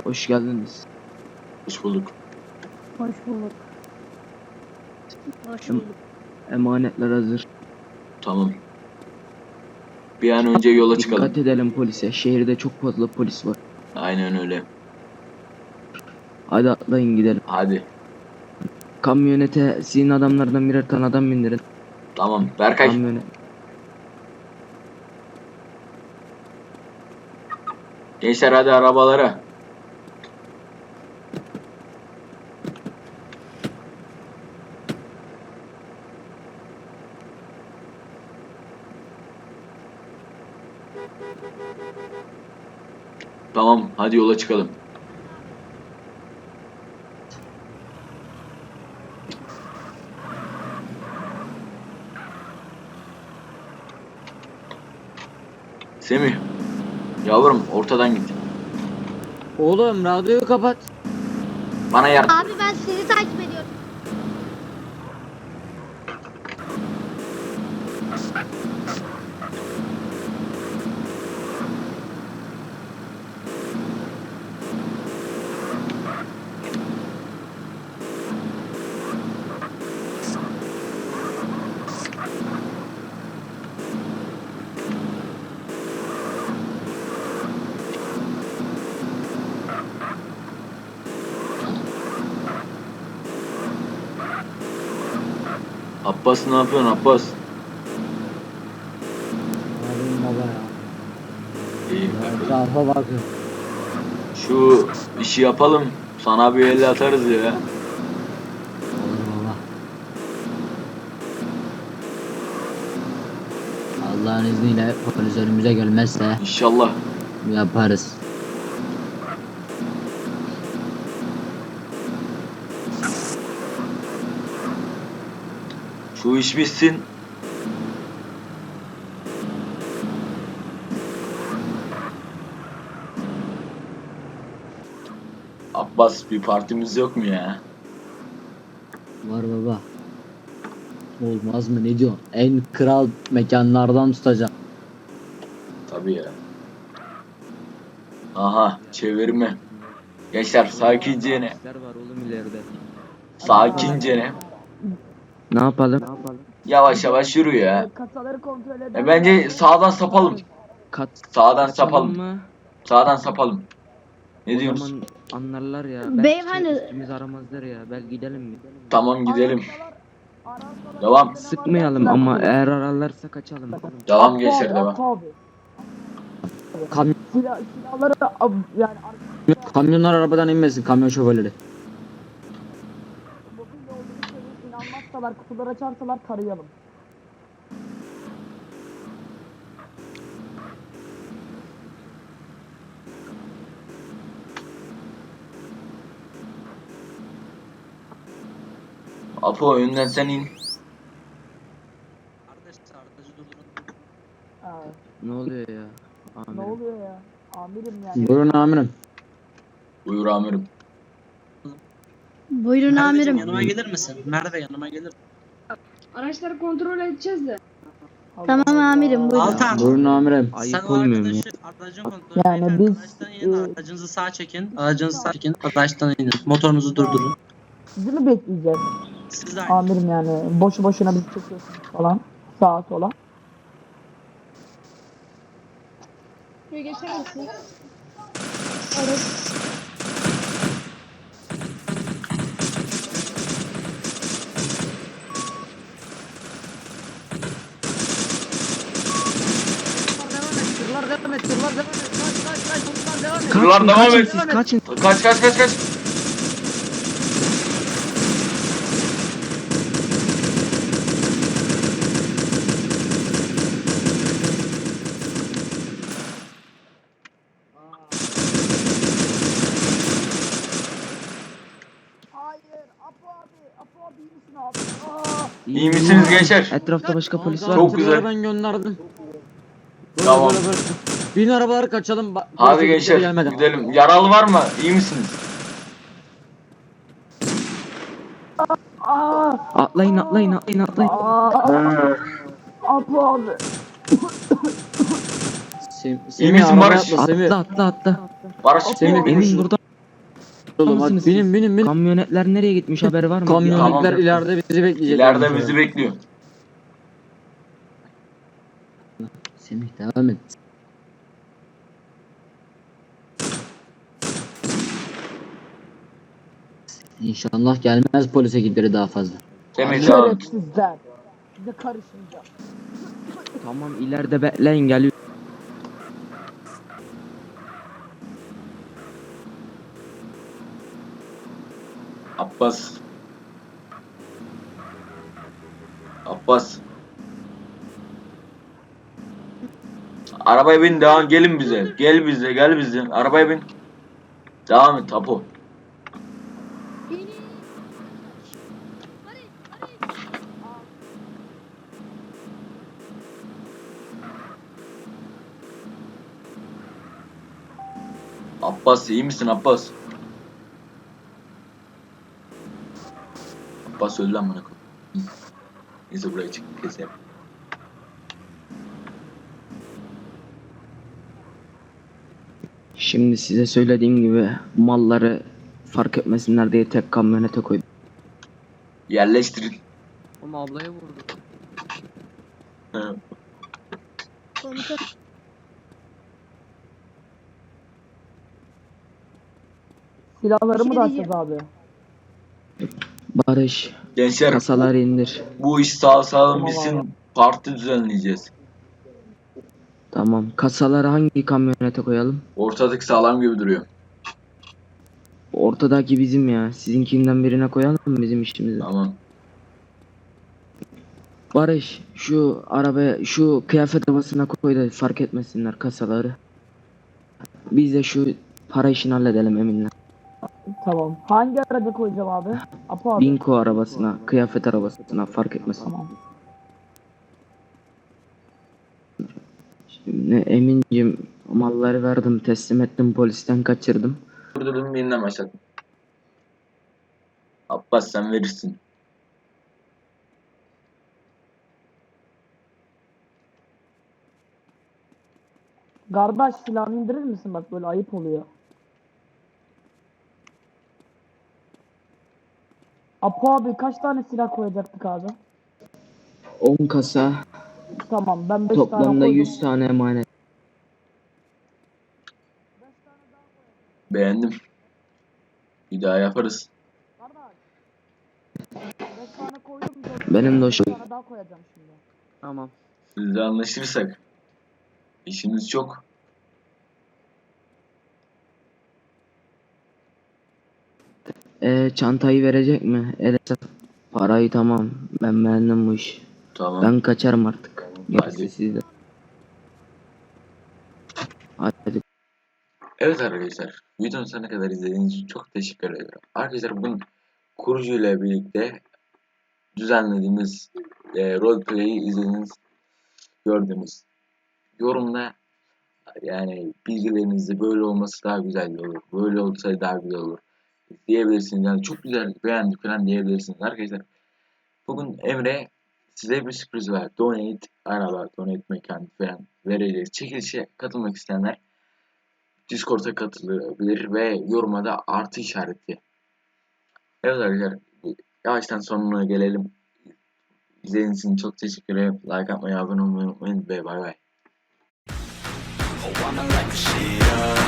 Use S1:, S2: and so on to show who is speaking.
S1: Hoş geldiniz.
S2: Hoş bulduk.
S3: Hoş bulduk. Hoş
S1: Em-
S3: bulduk.
S1: Emanetler hazır.
S2: Tamam. Bir an önce yola çıkalım.
S1: Dikkat edelim polise. Şehirde çok fazla polis var.
S2: Aynen öyle.
S1: Hadi atlayın gidelim.
S2: Hadi.
S1: Kamyonete sizin adamlardan birer tane adam bindirin.
S2: Tamam. Berkay.
S1: Kamyonet.
S2: Gençler hadi arabalara. Tamam. Hadi yola çıkalım. Semih. Yavrum ortadan git.
S4: Oğlum radyoyu kapat.
S2: Bana yardım.
S3: Abi ben seni takip ediyorum.
S2: Abbas ne yapıyorsun Abbas?
S4: Abim baba ya.
S2: İyi.
S4: Etrafa bakın.
S2: Şu işi yapalım. Sana bir el atarız ya.
S4: Olur baba. Allah'ın izniyle polis önümüze gelmezse
S2: İnşallah.
S4: yaparız.
S2: Şu iş bitsin. Abbas bir partimiz yok mu ya?
S4: Var baba. Olmaz mı ne diyorsun? En kral mekanlardan tutacağım.
S2: Tabii ya. Aha çevirme. Gençler sakince ne?
S1: Polisler var oğlum ileride.
S2: Sakince ne?
S1: Ne yapalım?
S2: Yavaş yavaş yürü ya.
S3: Kasaları kontrol eder.
S2: Bence sağdan sapalım.
S1: Kat
S2: Sağdan
S1: kaçalım
S2: sapalım.
S1: mı?
S2: Sağdan sapalım. Ne
S1: O
S2: diyorsunuz?
S1: zaman anlarlar ya.
S3: Beyefendi-
S1: Belki üstümüzü aramazlar ya. Belki gidelim mi?
S2: Tamam gidelim. Devam.
S1: Sıkmayalım ama eğer ararlarsa kaçalım.
S2: Devam gençler devam.
S4: Kam
S3: Silahları yani
S4: kamyonlar arabadan inmesin, kamyon şoförleri.
S3: mobilya olduğunu söyleyip inanmazsalar, kutuları açarsalar tarayalım.
S2: Apo önden sen in.
S1: Ne oluyor ya?
S3: Ne
S1: Amirim.
S3: oluyor ya? Amirim yani.
S4: Buyurun amirim.
S2: Buyur amirim.
S3: Buyurun
S5: Merveciğim yanıma gelir misin? Merve yanıma gelir.
S6: Araçları kontrol edeceğiz de.
S3: Tamam amirim buyurun.
S5: Altan.
S4: Buyurun amirim.
S1: Ayıp
S5: Sen o
S1: olmuyor mu ya?
S5: aracın kontrolü
S3: Yani
S5: yani
S3: biz,
S5: aractan inin, aracınızı sağa çekin. Aracınızı sağa çekin. Araçtan inin. Motorunuzu durdurun.
S3: Sizi mi bekleyeceğiz?
S5: Siz de aynı.
S3: Amirim yani boşu boşuna bizi çekiyorsunuz falan. Sağa sola.
S6: Şuraya geçer misin? Evet.
S2: Kırlar devam
S1: Kaçın
S2: et.
S1: siz kaçın.
S2: Kaç.
S3: Hayır Apo abi iyi misin abi?
S2: İyi misiniz gençler?
S1: Etrafta başka polis var
S2: Çok
S1: mı?
S2: güzel.
S4: Ben gönderdim.
S2: Tamam.
S4: Böyle. Bin arabaları kaçalım.
S2: Hadi
S4: Polise
S2: gençler
S4: gelmeden.
S2: gidelim. Yaralı var mı? İyi misiniz?
S1: Atlayın.
S3: Apo abi.
S4: Semih
S2: İyi misin
S4: arabaya
S2: Barış?
S4: atla, Semih.
S1: Atla.
S2: Barış
S4: Semih,
S2: benim
S1: Emin burada.
S4: oğlum hadi
S1: mısınız
S4: binin
S1: siz?
S4: binin binin.
S1: Kamyonetler nereye gitmiş haber var mı?
S4: Kamyonetler
S2: Tamam.
S4: ileride bizi bekleyecek.
S2: İleride bizi bekliyor.
S4: Semih devam et. İnşallah gelmez polis ekipleri daha fazla.
S2: Semih devam.
S3: Şerefsizler. Size karışmayacağım.
S1: Tamam ileride bekleyin geliyor.
S2: Abbas. Abbas. Arabaya bin, devam, gelin bize. Gel bize, gel bize. Arabaya bin. Devam et Apo. Abbas iyi misin Abbas? Abbas öldü amına koyayım. Neyse buraya çık keselim.
S1: Şimdi size söylediğim gibi malları fark etmesinler diye tek kamyonete koydum.
S2: Yerleştirin.
S1: Ama ablaya vurdu.
S3: Silahlarımı da
S6: Bir şey
S3: açacağız abi.
S1: Barış
S2: Gençler
S1: kasaları indir.
S2: bu iş sağ salim
S3: Tamam
S2: bitsin. Parti düzenleyeceğiz.
S1: Tamam kasaları hangi kamyonete koyalım?
S2: Ortadaki sağlam gibi duruyor.
S1: Ortadaki bizim ya. Sizinkinden birine koyalım mı bizim işimizi?
S2: Tamam.
S1: Barış şu arabaya şu kıyafet havasına koy da fark etmesinler kasaları. Biz de şu para işini halledelim Emin'le.
S3: Tamam. Hangi araca koyacağım abi? Apo abi.
S1: Binko arabasına, kıyafet arabasına fark etmesin.
S3: Tamam.
S1: Şimdi Emin'cim malları verdim, teslim ettim, polisten kaçırdım.
S2: Durdurdum yeniden başladım. Abbas sen verirsin.
S3: Kardeş silahını indirir misin? Bak böyle ayıp oluyor. Apo abi kaç tane silah koyacaktık abi?
S1: 10 kasa,
S3: Tamam ben 5 tane
S1: toplamda
S3: koydum.
S1: 100 tane emanet.
S2: Beğendim. Bir daha yaparız.
S3: Kardeş. 5 tane koydum.
S1: Benim de o
S3: 5
S1: şey.
S3: tane daha koyacağım şimdi.
S1: Tamam.
S2: Sizle anlaşırsak. İşimiz çok.
S1: Çantayı verecek mi? Evet. Parayı tamam. Ben beğendim bu işi.
S2: Tamam.
S1: Ben kaçarım artık. Gerisi
S2: Hadi.
S1: sizde. Hadi.
S2: Evet arkadaşlar. Videonun sonuna kadar izlediğiniz için çok teşekkür ederim. Arkadaşlar bugün kurucu ile birlikte düzenlediğimiz roleplay'i izlediniz, gördünüz. Yorumda yani bilgilerinizde böyle olması daha güzel olur. Böyle olsaydı daha güzel olur diyebilirsiniz. Yani çok güzel beğendik falan diyebilirsiniz arkadaşlar. Bugün Emre size bir sürpriz var. Donate araba, donate mekan falan vereceğiz. Çekilişe katılmak isteyenler Discord'a katılabilir ve yoruma da artı işareti. Evet arkadaşlar yavaştan sonuna gelelim. İzlediğiniz için çok teşekkür ederim. Like atmayı, abone olmayı unutmayın ve bay bay.
S7: Oh, I'ma light the shit up.